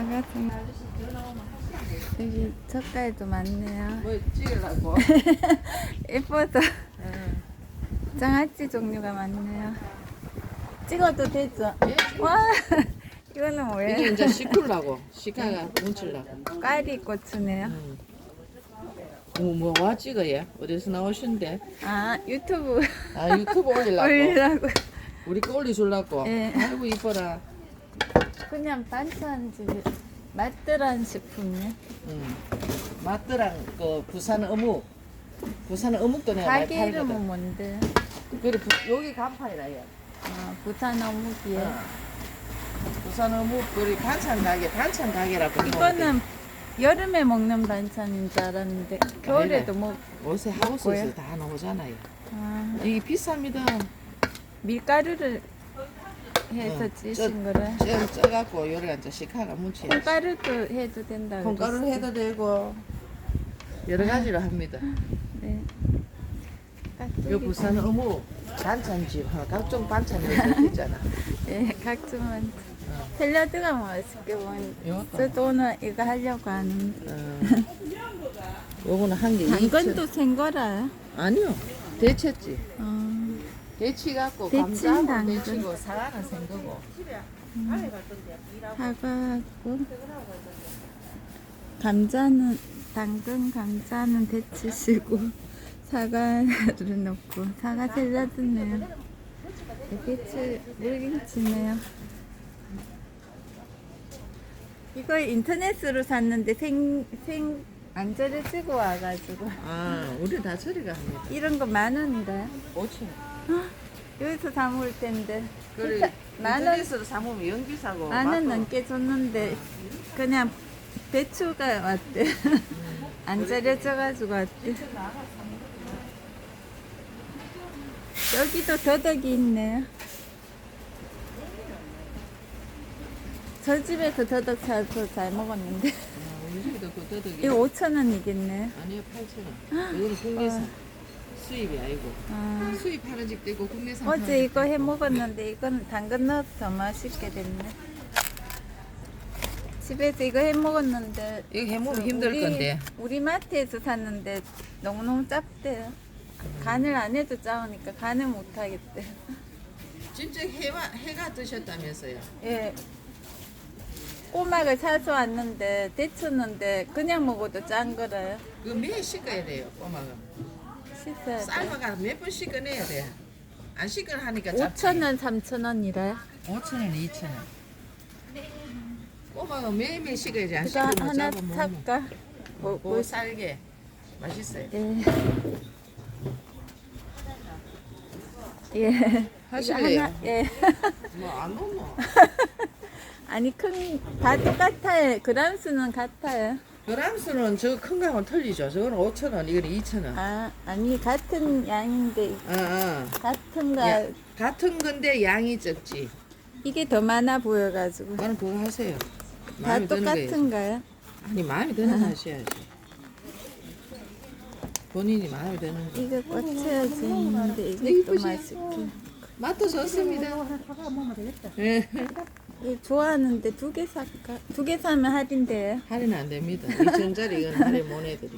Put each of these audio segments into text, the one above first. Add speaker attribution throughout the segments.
Speaker 1: 반갑습니다. 여기 젓갈도 많네요.
Speaker 2: 뭐 찍으려고?
Speaker 1: 예뻐서 장아찌 종류가 많네요. 찍어도 되죠? 와, 이거는 뭐예요?
Speaker 2: 이게 이제 시클라고 시카가 뭉치려고.
Speaker 1: 꽈리 고추네요.
Speaker 2: 뭐와 찍어요? 어디서 나오신데?
Speaker 1: 아, 유튜브
Speaker 2: 아 유튜브 올리려고.
Speaker 1: 올리려고.
Speaker 2: 우리 거 올려주려고.
Speaker 1: 예.
Speaker 2: 아이고 이뻐라.
Speaker 1: 그냥 반찬집 맛들한 식품이요.
Speaker 2: 맛들랑 그 부산 어묵. 부산 어묵도 내가 많이
Speaker 1: 가게
Speaker 2: 팔거든.
Speaker 1: 이름은 뭔데?
Speaker 2: 그래 여기 간판이라 얘.
Speaker 1: 아, 부산 어묵이에요.
Speaker 2: 부산 어묵 그리 반찬 가게라고.
Speaker 1: 이거는 여름에 먹는 반찬인 줄 알았는데 겨울에도 뭐
Speaker 2: 요새 하우스에서 다 나오잖아요.
Speaker 1: 아,
Speaker 2: 이게 비쌉니다.
Speaker 1: 밀가루를 해서 찌신 거라.
Speaker 2: 쪄갖고 요리가 이제 시카가 뭉치.
Speaker 1: 콩가루도 해도 된다.
Speaker 2: 콩가루를 해도 되고 여러 가지로 합니다.
Speaker 1: 네.
Speaker 2: 요 부산 어묵 반찬집 각종 반찬이 있잖아.
Speaker 1: 예, 각종 반찬. 샐러드가 맛있게 먹는데
Speaker 2: 요것도.
Speaker 1: 저도 오늘 이거 하려고 하는데
Speaker 2: 요거는 한 개.
Speaker 1: 당근도 생 거라요?
Speaker 2: 아니요. 데쳤지. 데치 갖고
Speaker 1: 데친
Speaker 2: 감자하고
Speaker 1: 당근.
Speaker 2: 데치고 사과는 생 거고.
Speaker 1: 사과하고 감자는 당근 감자는 데치시고 사과를 넣고 사과 샐러드네요. 배추 물김치네요. 이거 인터넷으로 샀는데 생 안 절여지고 와가지고
Speaker 2: 아, 우리 다 처리가 합니다.
Speaker 1: 이런 거 10,000원이래요.
Speaker 2: 5천.
Speaker 1: 여기서 사 먹을 텐데
Speaker 2: 그래.
Speaker 1: 비싸- 10,000원
Speaker 2: 인터넷으로 사면 연비사고.
Speaker 1: 10,000원 넘게 줬는데 그냥 배추가 왔대. 안 절여져가지고 왔대. 여기도 더덕이 있네요. 저 집에서 더덕 사서 잘 먹었는데
Speaker 2: 우리 집에도 그 더덕이.
Speaker 1: 이거 5,000원이겠네.
Speaker 2: 아니요, 8,000원. 이거는 국내산. 수입이 아니고.
Speaker 1: 아,
Speaker 2: 수입하는 집도 있고 국내산.
Speaker 1: 어제 이거 해 먹었는데 이건 당근 넣어서 더 맛있게 됐네. 집에서 이거 해 먹었는데
Speaker 2: 이거 해먹으면 힘들 건데.
Speaker 1: 우리 마트에서 샀는데 너무너무 짭대요. 간을 안 해도 짜우니까 간을 못 하겠대.
Speaker 2: 진짜 해가 드셨다면서요?
Speaker 1: 예. 꼬막을 사서 왔는데 데쳤는데 그냥 먹어도 짠 거라요.
Speaker 2: 그거 매일 씻어야 돼요, 꼬막은.
Speaker 1: 씻어야 돼.
Speaker 2: 삶아가 몇 번 씻어내야 돼. 안 씻어 하니까 잡지.
Speaker 1: 5,000원, 3,000원이래요.
Speaker 2: 5,000원, 2,000원. 꼬막은 매일매일 씻어야지. 안
Speaker 1: 이거
Speaker 2: 씻으면
Speaker 1: 하나
Speaker 2: 잡아 먹으면.
Speaker 1: 살까?
Speaker 2: 뭐 쌀게. 맛있어요.
Speaker 1: 예. 예.
Speaker 2: 하실래요?
Speaker 1: 이거 하나, 예.
Speaker 2: 뭐 안 먹노?
Speaker 1: 아니 다 똑같아요. 그람 수는 같아요.
Speaker 2: 그람수는 저 큰 거하고는 틀리죠. 저거는 5,000원, 이거는 2,000원.
Speaker 1: 아, 아니 같은 양인데 같은가
Speaker 2: 같은 건데 양이 적지.
Speaker 1: 이게 더 많아 보여가지고
Speaker 2: 그거는 그거 하세요.
Speaker 1: 다
Speaker 2: 마음에 드는 거 해야지.
Speaker 1: 똑같은가요?
Speaker 2: 아니 마음에 드는 거 하셔야지. 본인이 마음에 드는 거.
Speaker 1: 이거 꽂혀져 있는데 이게 또
Speaker 2: 이쁘지?
Speaker 1: 맛있게.
Speaker 2: 맛도 좋습니다. 예.
Speaker 1: 이거 좋아하는데 2개 살까? 2개 사면 할인돼요.
Speaker 2: 할인 안 됩니다. 2,000원짜리 이건 할인 못 해드리.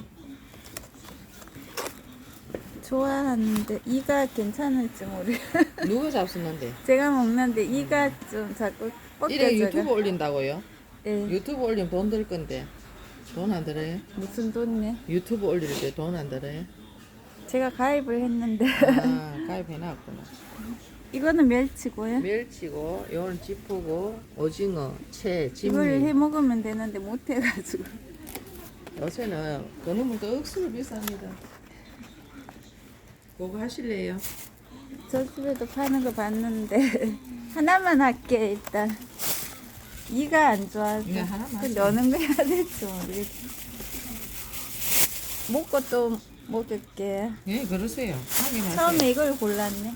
Speaker 1: 좋아하는데 이가 괜찮을지 모르.
Speaker 2: 누가 잡수는데?
Speaker 1: 제가 먹는데 이가 좀 자꾸
Speaker 2: 이래 유튜브
Speaker 1: 꺾여져가.
Speaker 2: 올린다고요?
Speaker 1: 예.
Speaker 2: 유튜브 올리면 돈 들 건데 돈 안 들어요?
Speaker 1: 무슨 돈네?
Speaker 2: 유튜브 올릴 때 돈 안 들어요?
Speaker 1: 제가 가입을 했는데
Speaker 2: 아 가입해놨구나.
Speaker 1: 이거는 멸치고요.
Speaker 2: 멸치고 요건 지포고 오징어, 채,
Speaker 1: 이걸 해
Speaker 2: 진미.
Speaker 1: 먹으면 되는데 못 해가지고.
Speaker 2: 요새는 그놈은 또 억수로 비쌉니다. 그거 하실래요?
Speaker 1: 저 집에도 파는 거 봤는데 하나만 할게 일단. 이가 안 좋아서
Speaker 2: 이거 하나만
Speaker 1: 근데 어느 거 해야 될지 모르겠어. 먹고 또 먹을게.
Speaker 2: 예 그러세요. 하긴 하세요.
Speaker 1: 처음에 이걸 골랐네.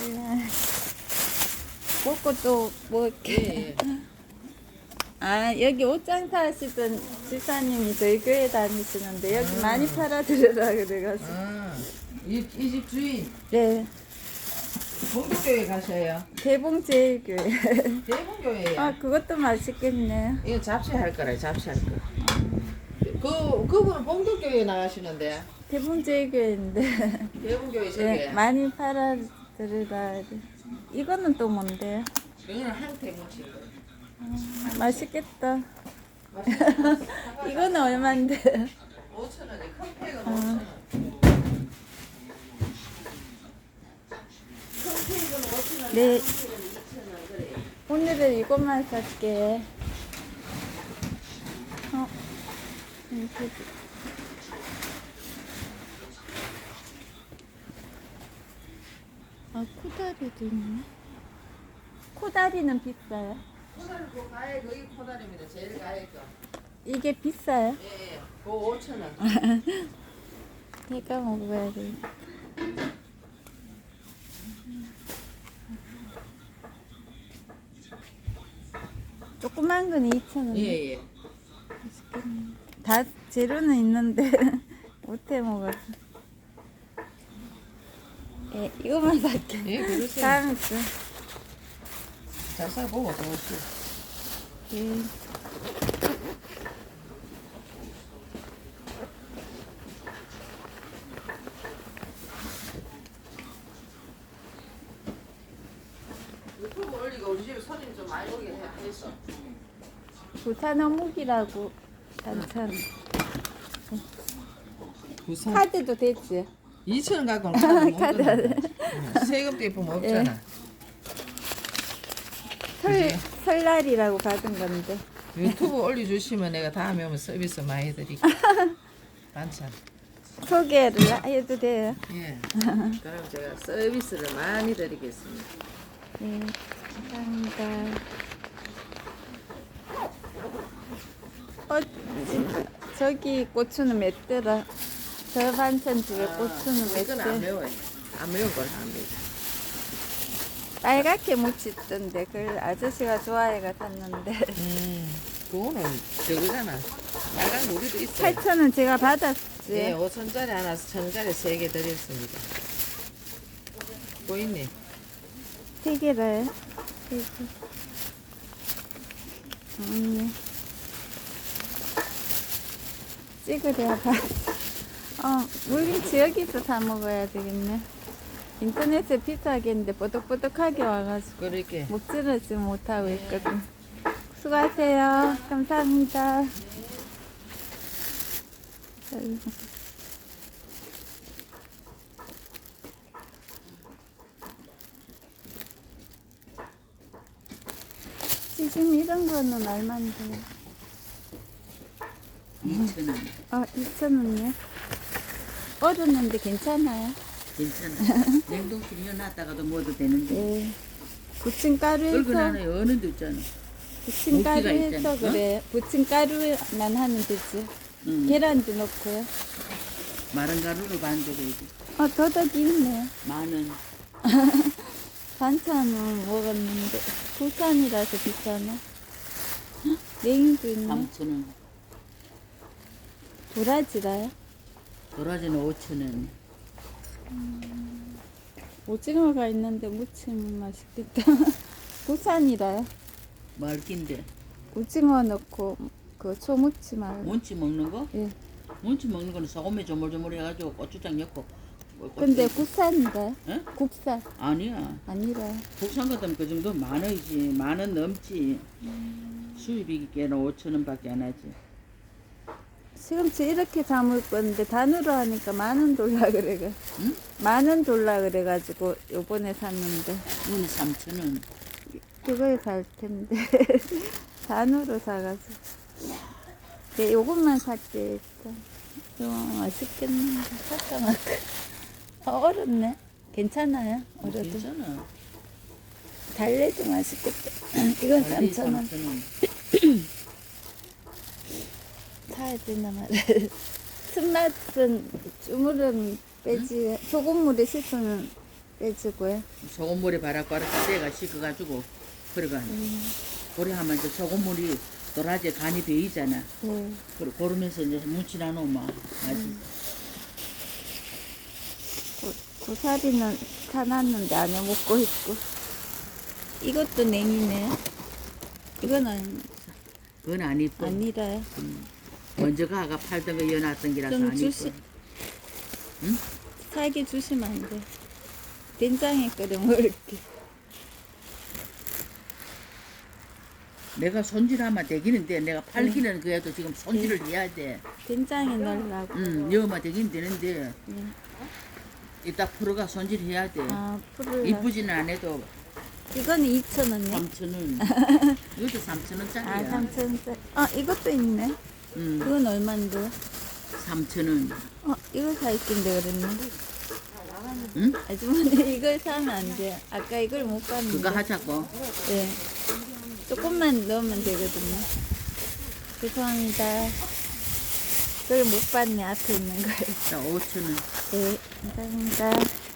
Speaker 1: 먹고 또 먹을게.
Speaker 2: 예, 예.
Speaker 1: 아 여기 옷장 사시던 집사님이 저희 교회 다니시는데 여기 많이 팔아드려라 그래가지고.
Speaker 2: 이 집 주인
Speaker 1: 네.
Speaker 2: 봉도교회 가셔요.
Speaker 1: 대봉제일교회.
Speaker 2: 대봉교회에.
Speaker 1: 아, 그것도 맛있겠네.
Speaker 2: 이거 잡채할 거라 잡채할 거. 그분은 봉도교회 나가시는데
Speaker 1: 대봉제일교회인데.
Speaker 2: 대봉교회 저기.
Speaker 1: 네, 많이 팔아 들어가야 돼. 이거는 또 뭔데요?
Speaker 2: 그거는 한태무치.
Speaker 1: 맛있겠다.
Speaker 2: 맛있어.
Speaker 1: 이거는 얼만데?
Speaker 2: 5,000원에 큰 팩은 5,000원. 큰 팩은 5,000원.
Speaker 1: 네.
Speaker 2: 2,000원 그래.
Speaker 1: 오늘은 이것만 살게. 이렇게. 아, 코다리도 있네. 코다리는 비싸요?
Speaker 2: 코다리 그 가액 거기 코다리입니다. 제일 가액 거.
Speaker 1: 이게 비싸요?
Speaker 2: 예, 예. 그 5,000원.
Speaker 1: 내가 먹어야 돼. 조그만 건 2,000원.
Speaker 2: 예, 예.
Speaker 1: 다 재료는 있는데 못해 먹어서. 예, 이거만 살게.
Speaker 2: 예, 그러세요.
Speaker 1: 다음에 또.
Speaker 2: 잘 싸보고 좋으시.
Speaker 1: 예.
Speaker 2: 유튜브 올리고 우리 집에 손님 좀 많이 오게 해서.
Speaker 1: 부산 어묵이라고 반찬.
Speaker 2: 부산
Speaker 1: 카드도 됐지?
Speaker 2: 2,000원 갖고는 카드 못
Speaker 1: 카드.
Speaker 2: 끊어. 세금 떼면 없잖아.
Speaker 1: 설날이라고 받은 건데.
Speaker 2: 유튜브 올려주시면 내가 다음에 오면 서비스 많이 해드릴게. 반찬.
Speaker 1: 소개를 해도 돼요?
Speaker 2: 예. 그럼 제가 서비스를 많이 드리겠습니다.
Speaker 1: 네, 감사합니다. 저기 고추는 맵더라. 저 반찬 집에 고추는
Speaker 2: 이건 안
Speaker 1: 맵대.
Speaker 2: 매워요. 안 매운 걸 합니다.
Speaker 1: 빨갛게 무치던데 그걸 아저씨가 좋아해가 샀는데
Speaker 2: 그거는 저거잖아. 빨간 우리도 있어요.
Speaker 1: 8,000원 제가 받았지.
Speaker 2: 예, 5천짜리 하나, 1,000원짜리 3개 드렸습니다. 보이네.
Speaker 1: 3개라요? 3개. 네. 찍으래야 봐. 물김치 여기서 사 먹어야 되겠네. 인터넷에 비싸겠는데 뽀득뽀득하게 와가지고
Speaker 2: 그렇게.
Speaker 1: 먹지를 못하고 있거든. 수고하세요. 감사합니다. 지금 이런 거는 얼마인데?
Speaker 3: 2,000원.
Speaker 1: 2,000원이요? 얼었는데 괜찮아요?
Speaker 3: 괜찮아. 냉동실에 넣어놨다가도 먹어도 되는데.
Speaker 1: 네. 부침가루에서
Speaker 3: 얼큰하네. 어느 데 있잖아.
Speaker 1: 부침가루에서
Speaker 3: 있잖아.
Speaker 1: 그래. 부침가루만 하면 되지.
Speaker 3: 응.
Speaker 1: 계란도 넣고요.
Speaker 3: 마른 가루로 반죽해야지.
Speaker 1: 더덕이 있네.
Speaker 3: 10,000원.
Speaker 1: 반찬은 먹었는데 부산이라서 비싸나? 헉, 냉이도 있네.
Speaker 3: 3,000원.
Speaker 1: 도라지라요?
Speaker 3: 도라지는 5,000원.
Speaker 1: 오징어가 있는데 무치면 맛있겠다. 부산이라요?
Speaker 3: 말긴데.
Speaker 1: 오징어 넣고 그 초무치 말고.
Speaker 3: 몬치 먹는 거?
Speaker 1: 예.
Speaker 3: 몬치 먹는 거는 소금에 조물조물 해가지고 고추장 넣고.
Speaker 1: 근데 국산인가요?
Speaker 3: 에?
Speaker 1: 국산
Speaker 3: 아니야.
Speaker 1: 아니라.
Speaker 3: 국산 같으면 그 정도 10,000원이지. 10,000원 넘지. 수입이 깨는 5,000원밖에 안 하지.
Speaker 1: 시금치 이렇게 담을 건데 단으로 하니까 10,000원 돌라 그래가.
Speaker 3: 응?
Speaker 1: 10,000원 돌라 그래가지고 요번에 샀는데
Speaker 3: 이거는 3,000원.
Speaker 1: 그걸 살 텐데 단으로 사가지고. 네, 요것만 살게 일단. 이거 맛있겠네. 잠깐만. 얼었네. 괜찮아요? 얼어도.
Speaker 3: 괜찮아.
Speaker 1: 달래도 맛있겠다. 이건 3,000원.
Speaker 3: 3,000원.
Speaker 1: 사야 되나 말이야. 쓴맛은 주물은 빼지, 소금물에 씻으면 빼지고요.
Speaker 3: 소금물에 바락바락 때가 식어가지고 그래가 그래 하면 이제 소금물이 도라지에 간이 배이잖아.
Speaker 1: 네.
Speaker 3: 그러면서 이제 묻히나 놓으면 맛이
Speaker 1: 고사리는 사놨는데 안에 먹고 있고. 이것도 냉이네. 이거는
Speaker 3: 그건 안 이뻐.
Speaker 1: 아니라요.
Speaker 3: 먼저 가가 팔던 거 여놨던 기라서
Speaker 1: 좀
Speaker 3: 안
Speaker 1: 주시,
Speaker 3: 이뻐.
Speaker 1: 살게 주시면 안 돼. 된장에 끓여 먹을게.
Speaker 3: 내가 손질하면 되기는데 내가 팔기는 그래도 지금 손질을 해야 돼.
Speaker 1: 된장에 넣으려고.
Speaker 3: 여만 되긴 되는데
Speaker 1: 네.
Speaker 3: 이따 프로가 손질해야 돼.
Speaker 1: 아, 풀을.
Speaker 3: 이쁘지는 않아도
Speaker 1: 이거는 2,000원이요?
Speaker 3: 3,000원. 이것도 3,000원짜리야.
Speaker 1: 아, 3,000원짜리. 아, 이것도 있네. 그건 얼만데?
Speaker 3: 3,000원.
Speaker 1: 이거 살 낀데 그랬네.
Speaker 3: 응?
Speaker 1: 아주머니 이걸 사면 안 돼. 아까 이걸 못 봤는데.
Speaker 3: 그거 하자고.
Speaker 1: 네. 조금만 넣으면 되거든요. 죄송합니다. 그걸 못 봤네, 앞에 있는 걸.
Speaker 3: 자, 5,000원.
Speaker 1: 네, 감사합니다.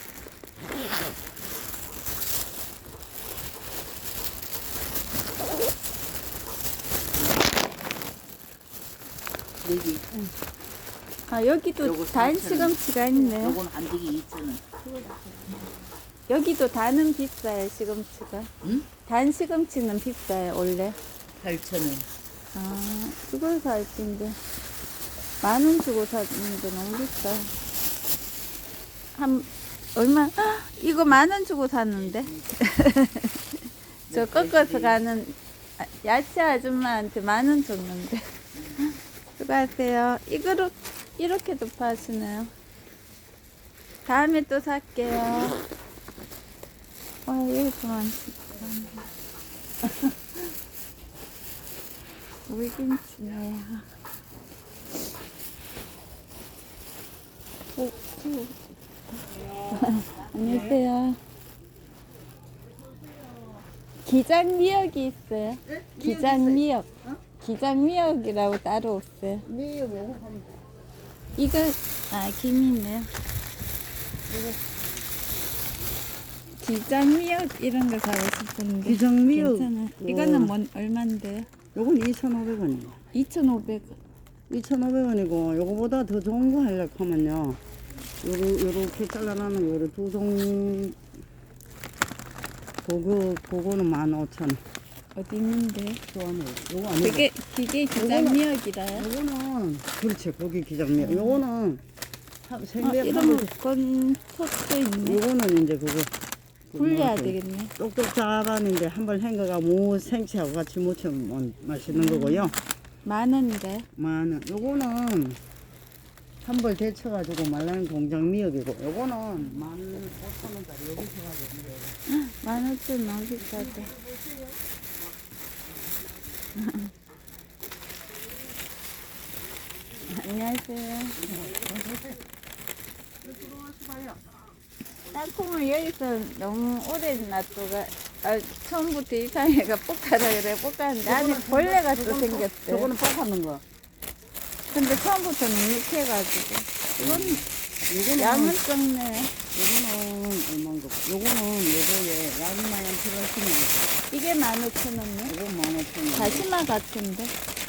Speaker 3: 여기.
Speaker 1: 아, 여기도
Speaker 3: 요거
Speaker 1: 단
Speaker 3: 4,000원.
Speaker 1: 시금치가 있네.
Speaker 3: 요건 한 개기 2,000원.
Speaker 1: 여기도 단은 비싸요, 시금치가.
Speaker 3: 응?
Speaker 1: 단 시금치는 비싸요, 원래.
Speaker 3: 8,000원.
Speaker 1: 아, 이걸 살 텐데. 10,000원 주고 샀는데 너무 비싸. 얼마? 헉, 이거 10,000원 주고 샀는데. 저 꺾어서 가는 야채 아줌마한테 10,000원 줬는데. 수고하세요. 이거로, 이렇게도 파시네요. 다음에 또 살게요. 와, 이렇게 많지. 물김치네요. 안녕하세요. 기장미역이 있어요. 기장미역. 기장미역이라고 따로 없어요. 이거, 아, 김이네요. 기장미역 이런 거 사고 싶은데.
Speaker 4: 기장미역.
Speaker 1: 괜찮아요. 이거는 얼만데요?
Speaker 4: 요건 2,500원이에요.
Speaker 1: 2,500원.
Speaker 4: 2,500원이고 요거보다 더 좋은 거 하려고 하면요. 요렇게 잘라놓으면 요래 두 종. 그거는 15,000원.
Speaker 1: 어디 있는데?
Speaker 4: 좋아하네. 요거 아니고.
Speaker 1: 그게 기장미역이라요?
Speaker 4: 요거는 그렇지. 거기 기장미역. 요거는
Speaker 1: 이런 건 솥도 있네.
Speaker 4: 요거는 이제 그거.
Speaker 1: 불려야 되겠네.
Speaker 4: 똑똑 잡았는데 한 번 헹궈가 무 생채하고 같이 무치면 맛있는 거고요.
Speaker 1: 10,000원인가요?
Speaker 4: 만원. 요거는 한 벌 데쳐가지고 말라는 공장 미역이고, 요거는 15,000원짜리 여기 해가지고.
Speaker 1: 15,000원 너무 비싸다. 안녕하세요. 땅콩을 여기서 너무 오래 놔두가 처음부터 이상해가 볶아라 그래 볶았는데 안에 벌레가 또 생겼대.
Speaker 4: 저거는 볶아놓은 거.
Speaker 1: 근데 처음부터 눅눅해가지고 이건 양은 적네.
Speaker 4: 요거는 얼마인 거. 요거는 요거에 양마양 필요하시면
Speaker 1: 이게 15,000원이요?
Speaker 4: 요거 15,000원.
Speaker 1: 다시마 같은데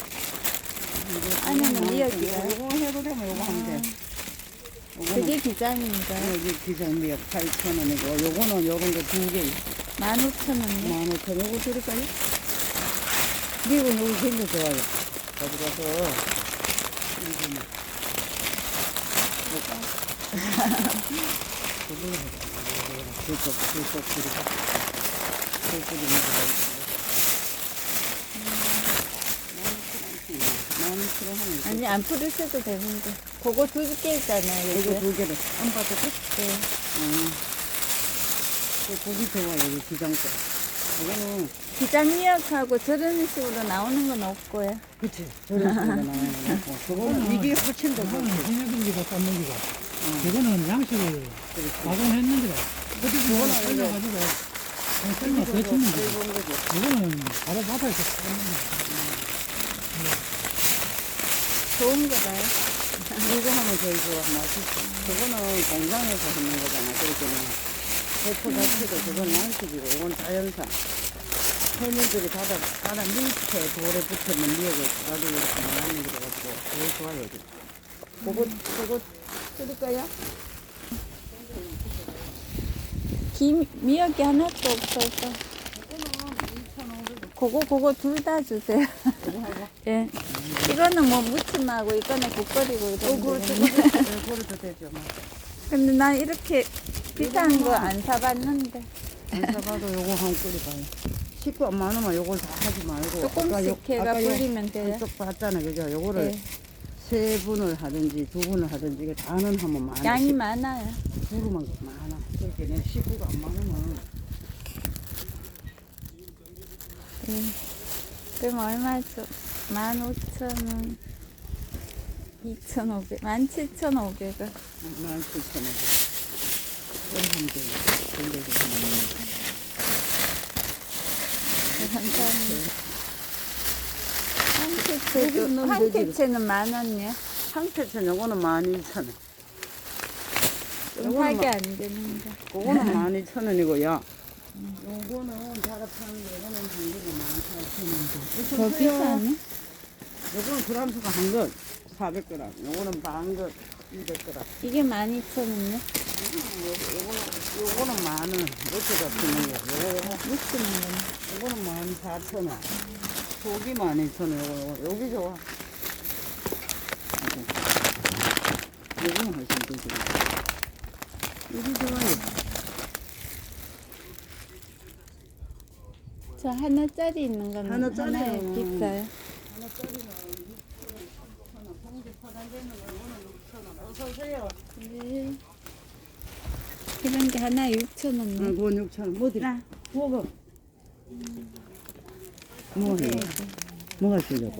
Speaker 1: 안에는 미역이야.
Speaker 4: 요거 해도 되면 요거 하면 돼. 요거는
Speaker 1: 그게 기장인가?
Speaker 4: 여기 기장미역 8,000원이고, 요거는 요런 거 2개.
Speaker 1: 15,000원이요?
Speaker 4: 15,000원. 요거 드릴까요? 미역은 여기 굉장히 좋아요. 가져가서 이거는 불속 드리고
Speaker 1: 아니 안 풀으셔도 되는데 그거 2개 있잖아요.
Speaker 4: 이거
Speaker 1: 여기.
Speaker 4: 2개를 안 받아도?
Speaker 1: 네.
Speaker 4: 고기 좋아 여기 기장거. 이거는
Speaker 1: 기장미역하고 저런 식으로 나오는 건 없고요.
Speaker 4: 그치 저런 식으로 나와요. 그거는 이게 훨씬 더 좋지.
Speaker 5: 해내기가 삶는 기가 이거는 양식을 가공했는 기가 그거는 삶아가지고 삶아 데치는 기가 이거는 바로 바다에서 삶는 기가
Speaker 1: 좋은 거봐요.
Speaker 4: 이거 하면 제일 좋아 맛있어. 그거는 공장에서 하는 거잖아. 그러니까 대포 자체도 그건 양식이고 이건 자연산. 해녀들이 바다 밑에 돌에 붙어있는 미역을 가지고 이렇게 말하는 게 가지고 제일 좋아요. 그거 드릴까요?
Speaker 1: 미역이 하나도 없어서. 그거 둘 다 주세요. 예. 이거는 뭐 무침하고 이거는 국거리고 이런 거.
Speaker 4: 그래도 되죠. 뭐.
Speaker 1: 근데 난 이렇게 비싼 거 안 사봤는데.
Speaker 4: 안 사봐도 요거 한 끓이 봐요. 식구 안 많으면 요걸 다 하지 말고.
Speaker 1: 조금씩 해가 불리면 돼요.
Speaker 4: 한쪽 봤잖아, 그죠? 요거를
Speaker 1: 네.
Speaker 4: 세 분을 하든지 두 분을 하든지 이게 다는 하면 많아.
Speaker 1: 양이 많아요.
Speaker 4: 두루만 많아. 그렇게 내 식구가 안 많으면
Speaker 1: 예. 그럼 얼마죠? 15,000원. 2,500, 17,500원.
Speaker 4: 17,000원. 그럼 하면 돼요. 근데
Speaker 1: 감사합니다. 한 캐치는 10,000원이요?
Speaker 4: 한 캐치 요거는 12,000원.
Speaker 1: 좀 하게 안 되는데.
Speaker 4: 그거는 12,000원이고요. 요거는 다락하는 거, 요거는 한 개가 18,000원이고.
Speaker 1: 더 비싸네?
Speaker 4: 요거는 그람수가 한 건 400g. 요거는 반건 200g.
Speaker 1: 이게 12,000원이요?
Speaker 4: 요거는 만원. 이렇게 잡히는 거. 요거,
Speaker 1: 묵히는 거네.
Speaker 4: 요거는 14,000원. 속이 12,000원. 요거, 여기 좋아. 요거는 훨씬 되지. 여기 좋아요.
Speaker 1: 저 하나짜리 있는 거는
Speaker 4: 하나짜리는
Speaker 1: 하나에 비싸요.
Speaker 4: 어서오세요.
Speaker 1: 네. 이런 게 하나에 6,000원이네.
Speaker 4: 그건 6,000원. 뭐 드려? 먹어. 뭐 해? 뭐가 주려고?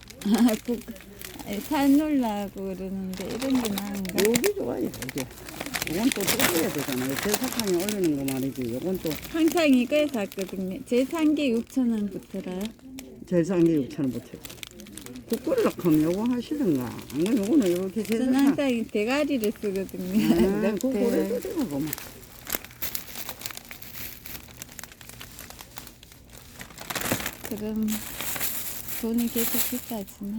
Speaker 1: 살 놀라고 그러는데 이런 게 나은가?
Speaker 4: 여기 좋아요, 이게. 이건 또 뜯어야 되잖아요. 대사탕에 올리는 거 말이지. 이건 또
Speaker 1: 항상 이거에 샀거든요. 제 산 게 6,000원부터라요.
Speaker 4: 제일 싼 게 6,000원부터. 국거리로 하면 요거 하시든가. 안 그러면 요거는 이렇게
Speaker 1: 저는
Speaker 4: 대사탕.
Speaker 1: 항상 이 대가리를 쓰거든요.
Speaker 4: 네, 그거
Speaker 1: 네.
Speaker 4: 오래 쓰는 거 뭐.
Speaker 1: 그럼 돈이 계속 비싸지네.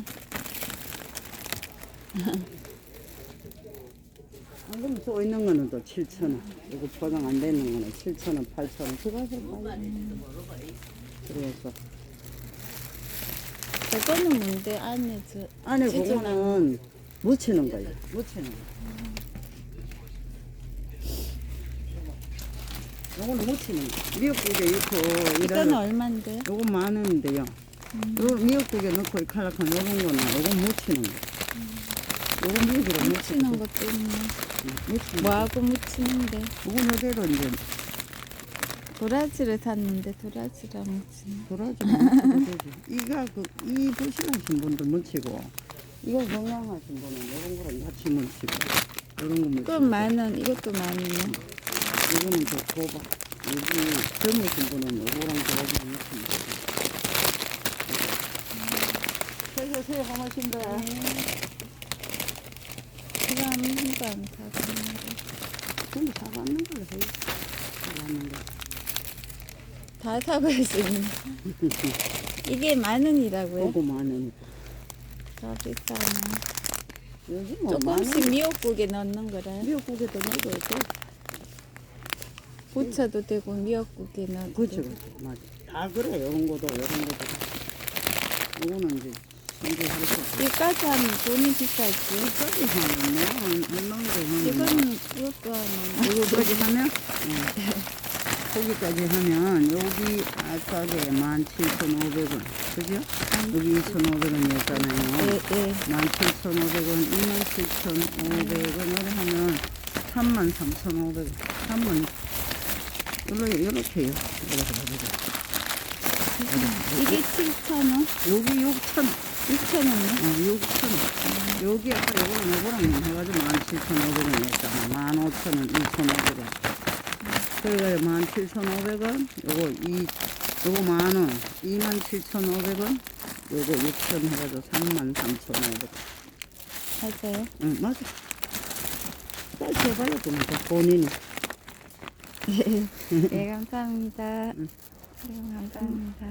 Speaker 4: 안 그러면 또 있는 거는 또 7,000원. 이거 포장 안 되는 거는 7,000원, 8,000원. 그거 빨리. 그래서.
Speaker 1: 저거는 뭔데 안에 저
Speaker 4: 안에
Speaker 1: 진짜
Speaker 4: 그거는 묻히는 거예요. 묻히는 거. 요거는 묻히는 거. 미역국에 넣고
Speaker 1: 이거는 얼만데요?
Speaker 4: 요거 10,000원인데요. 요 미역국에 넣고 이 칼락한 요런 거는 요건 묻히는 거. 요건 미역으로
Speaker 1: 묻히는 것도 있네.
Speaker 4: 묻히는 거.
Speaker 1: 뭐하고 묻히는데?
Speaker 4: 요건 요대로 이제
Speaker 1: 도라지를 샀는데 도라지랑 묻히네.
Speaker 4: 돌아주면 묻혀도 되지. 이가 이 부실하신 분들 묻히고 이거 건강하신 분은 요런 거랑 같이 묻히고 요런 거 묻히고
Speaker 1: 그건 10,000원, 이것도 10,000원이요.
Speaker 4: 이거는 저 도박. 여기 젊으신 분은 요거랑 도박이 묻힙니다. 새우 고맙습니다.
Speaker 1: 이거 한 번도 안 사봤는데.
Speaker 4: 근데 사봤는 걸로 해요. 사봤는 거.
Speaker 1: 다 사볼 수 있네. 이게 10,000원이라고요?
Speaker 4: 요거 10,000원.
Speaker 1: 더 비싸네.
Speaker 4: 여기 뭐
Speaker 1: 조금씩 미역국에 넣는 거라요?
Speaker 4: 미역국에도 넣어도 돼.
Speaker 1: 부쳐도 되고 미역국에 넣어도
Speaker 4: 그렇죠,
Speaker 1: 되고.
Speaker 4: 그렇죠. 맞아. 다 그래. 요런 것도, 요런 것도. 요거는 이제, 이제 하루씩.
Speaker 1: 이까지 하면 돈이 비싸지.
Speaker 4: 여기까지 하면 뭐, 얼마나 하면.
Speaker 1: 이거는 이것도 하면
Speaker 4: 요거까지 하면? 거기까지 하면, 여기 아싸게 17,500원. 그죠? 여기 2,500원이었잖아요.
Speaker 1: 예.
Speaker 4: 17,500원, 27,500원을 하면 33,500원. 3만, 요렇게요.
Speaker 1: 이게 7,000원?
Speaker 4: 여기 6,000원.
Speaker 1: 6,000원이요?
Speaker 4: 6,000원. 여기 아까 요거랑 해가지고 17,500원이었잖아. 15,000원, 2,500원. 그래가지고 17,500원, 요거 10,000원, 27,500원, 요거 6,000원 해가지고 33,500원.
Speaker 1: 맞아요.
Speaker 4: 응, 맞아. 다시 해봐요, 또 본인이.
Speaker 1: 네, 감사합니다. 네, 감사합니다.